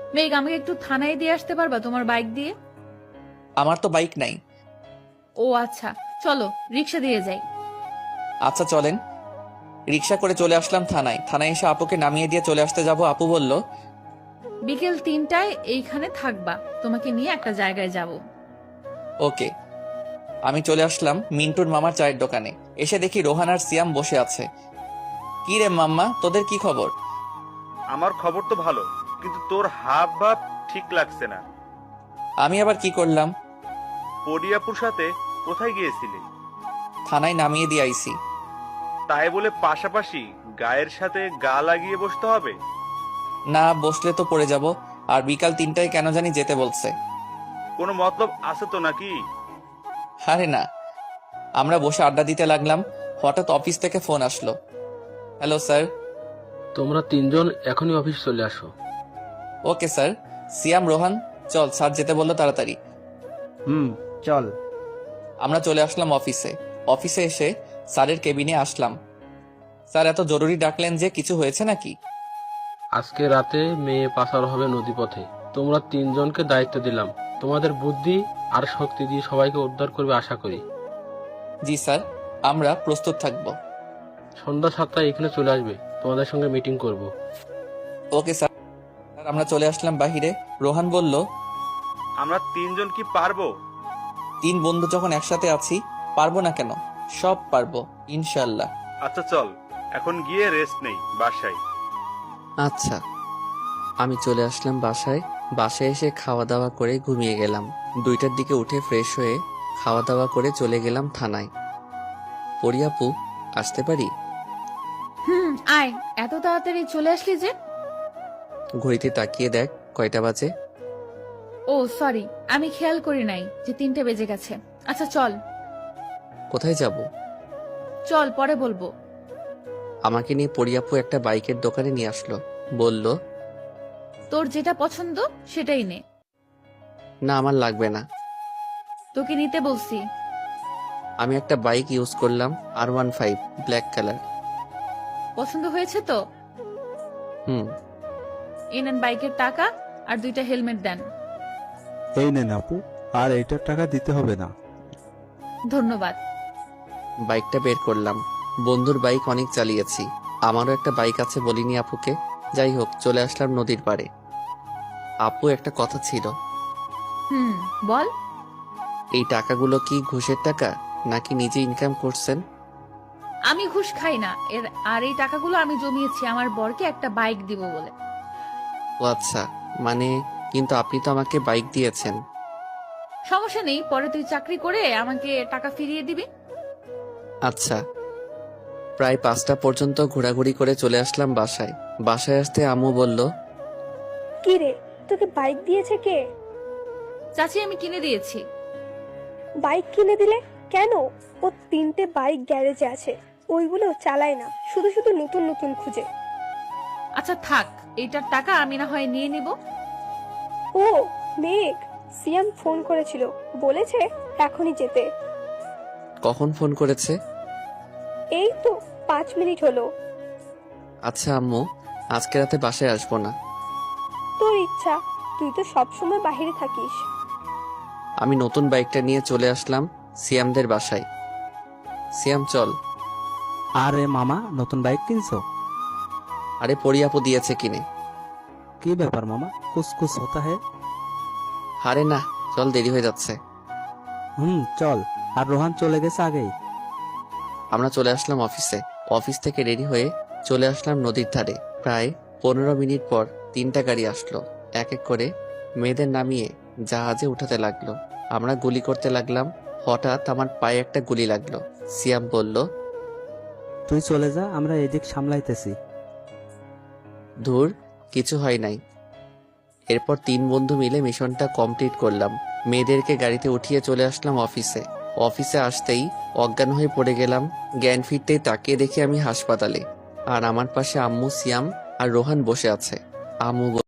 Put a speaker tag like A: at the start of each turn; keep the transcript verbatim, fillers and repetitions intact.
A: মেঘ, আমাকে একটু থানায় দিয়ে আসতে পারবা তোমার বাইক দিয়ে?
B: আমার তো বাইক নাই।
A: ও আচ্ছা, চলো রিক্সা দিয়ে যাই।
B: আচ্ছা চলেন। রিক্সা করে চলে আসলাম থানায়। থানায় এসে আপুকে নামিয়ে দিয়ে চলে আসতে যাব, আপু বলল,
A: বিকেল তিনটায় এইখানে থাকবা, তোমাকে নিয়ে একটা জায়গায় যাব।
B: ওকে। আমি চলে আসলাম মিন্টুর মামার চায়ের দোকানে। এসে দেখি রোহান আর সিয়াম বসে আছে। কি রে মাম্মা, তোদের কি খবর?
C: আমার খবর তো ভালো, কিন্তু তোর হাব ভাব ঠিক লাগছে না।
B: আমি আবার কি করলাম?
C: পরিয়াপুর সাথে কোথায় গিয়েছিলি?
B: থানায় নামিয়ে দিয়ে আইছি।
C: তাই বলে পাশাপাশি গায়ের সাথে গা লাগিয়ে বসতে হবে?
B: না বসলে তো পড়ে যাব। আর বিকাল তিনটায় কেন জানি যেতে বলছে।
C: কোনো মতলব আছে তো নাকি?
B: আরে না। আমরা বসে আড্ডা দিতে লাগলাম, হঠাৎ অফিস থেকে ফোন আসলো। Hello sir.
D: তোমরা তিনজন এখনই অফিস চলে আসো।
B: Okay sir. সিয়াম, রোহান, চল, স্যার যেতে বললো, তাড়াতাড়ি।
E: হুম, চল।
B: আমরা চলে আসলাম অফিসে। অফিসে এসে স্যারের কেবিনে আসলাম। স্যার এত জরুরি ডাকলেন যে, কিছু হয়েছে নাকি?
D: আজকে রাতে মেয়ে পাচার হবে নদীপথে। তোমরা তিনজনকে দায়িত্ব দিলাম। তোমাদের বুদ্ধি আর শক্তি দিয়ে সবাইকে উদ্ধার করবে আশা করি।
B: জি স্যার, আমরা প্রস্তুত থাকব।
D: সন্ধ্যা সাতটায় এখানে চলে আসবে, তোমাদের সঙ্গে মিটিং করব।
B: Okay sir. আমরা চলে আসলাম বাহিরে। রোহান বলল,
C: আমরা তিনজন কি পারবো?
B: তিন বন্ধু যখন একসাথে আছি, পারবো না কেন? সব পারবো ইনশাল্লাহ।
C: আচ্ছা চল, এখন গিয়ে রেস্ট নেই বাসায়।
F: আচ্ছা। আমি চলে আসলাম বাসায়। বাসায় এসে খাওয়া দাওয়া করে ঘুমিয়ে গেলাম। দুইটার দিকে উঠে ফ্রেশ হয়ে খাওয়া দাওয়া করে চলে গেলাম থানায়। পরিয়াপু, আসতে পারি?
A: হুম, আয়। এত তাড়াতাড়ি চলে আসলি যে?
F: ঘড়িতে তাকিয়ে দেখ কয়টা বাজে।
A: ও সরি, আমি খেয়াল করি নাই যে তিনটে বেজে গেছে। আচ্ছা চল।
F: কোথায় যাব?
A: চল, পরে বলবো।
F: আমাকে নিয়ে পরিয়াপু একটা বাইকের দোকানে নিয়ে আসলো। বলল,
A: তোর যেটা পছন্দ সেটাই নে।
F: না আমার লাগবে না।
A: তোকে নিতে বলছি।
F: আমি একটা বাইক ইউজ করলাম, আর ওয়ান ফাইভ, ব্ল্যাক কালার।
A: পছন্দ হয়েছে তো?
F: হুম।
A: এই নেন বাইকের টাকা আর দুইটা হেলমেট দেন।
E: এই নেন আপু, আর এইটার টাকা দিতে হবে না।
A: ধন্যবাদ।
F: বাইকটা বের করলাম। বন্ধুর বাইক অনেক চালিয়েছি, আমারও একটা বাইক আছে বলিনি আপুকে। যাই হোক, চলে আসলাম নদীর পাড়ে। আপু, একটা কথা ছিল।
A: হুম, বল।
F: এই টাকাগুলো কি ঘুষের টাকা নাকি নিজে ইনকাম করছেন?
A: আমি ঘুষ খাই না এর। আর এই টাকাগুলো আমি জমিয়েছি আমার বরকে একটা বাইক দিব বলে।
F: ও আচ্ছা, মানে কিন্তু আপনি তো আমাকে বাইক দিয়েছেন।
A: সমস্যা নেই, পরে তুই চাকরি করে আমাকে টাকা ফিরিয়ে দিবি।
F: আচ্ছা। প্রায় পাঁচটা পর্যন্ত ঘোরাঘুরি করে চলে আসলাম বাসায়। বাসায় আসতে আম্মু বলল,
G: কি রে, তোকে বাইক দিয়েছে কে?
A: চাচি, আমি কিনে দিয়েছি।
G: বাইক কিনে দিলে কেন? ও তিনটে বাইক গ্যারেজে আছে, ওইগুলো চালায় না, শুধু শুধু নতুন নতুন খুঁজে।
A: আচ্ছা থাক, এইটার টাকা আমি না হয় নিয়ে নিব।
G: ও মেঘ, সিয়াম ফোন করেছিল, বলেছে এখনই যেতে।
F: কখন ফোন করেছে?
G: এই তো পাঁচ মিনিট হলো।
F: আচ্ছা আম্মু, আজকে রাতে বাসায় আসবো না।
G: তোর ইচ্ছা, তুই তো সবসময় বাইরে থাকিস।
F: আমি নতুন বাইকটা নিয়ে চলে আসলাম সিয়ামদের বাসায়। সিয়াম চল।
E: আরে মামা, নতুন বাইক কিনছো?
F: আরে পরিয়াপু দিয়েছে কিনে।
E: কি ব্যাপার মামা, কুছ কুছ হতা হে?
F: আরে না, চল, দেরি হয়ে যাচ্ছে।
E: হুম চল। আর রোহান চলে গেছে আগেই।
F: আমরা চলে আসলাম অফিসে। অফিস থেকে রেডি হয়ে চলে আসলাম নদীর ধারে। প্রায় পনেরো মিনিট পর তিনটা গাড়ি আসলো। এক এক করে মেয়েদের নামিয়ে জাহাজে উঠাতে লাগলো। আমরা গুলি করতে লাগলাম। হঠাৎ আমার পায়ে একটা গুলি লাগলো। সিয়াম বলল,
E: তুই চলে যা, আমরা এদিক সামলাইতেছি।
F: ধুর, কিছু হয় নাই। এরপর তিন বন্ধু মিলে মিশনটা কমপ্লিট করলাম। মেয়েদেরকে গাড়িতে উঠিয়ে চলে আসলাম অফিসে। অফিসে আসতেই অজ্ঞান হয়ে পড়ে গেলাম। জ্ঞান ফিরতেই তাকিয়ে দেখি আমি হাসপাতালে, আর আমার পাশে আম্মু, সিয়াম আর রোহান বসে আছে। আম্মু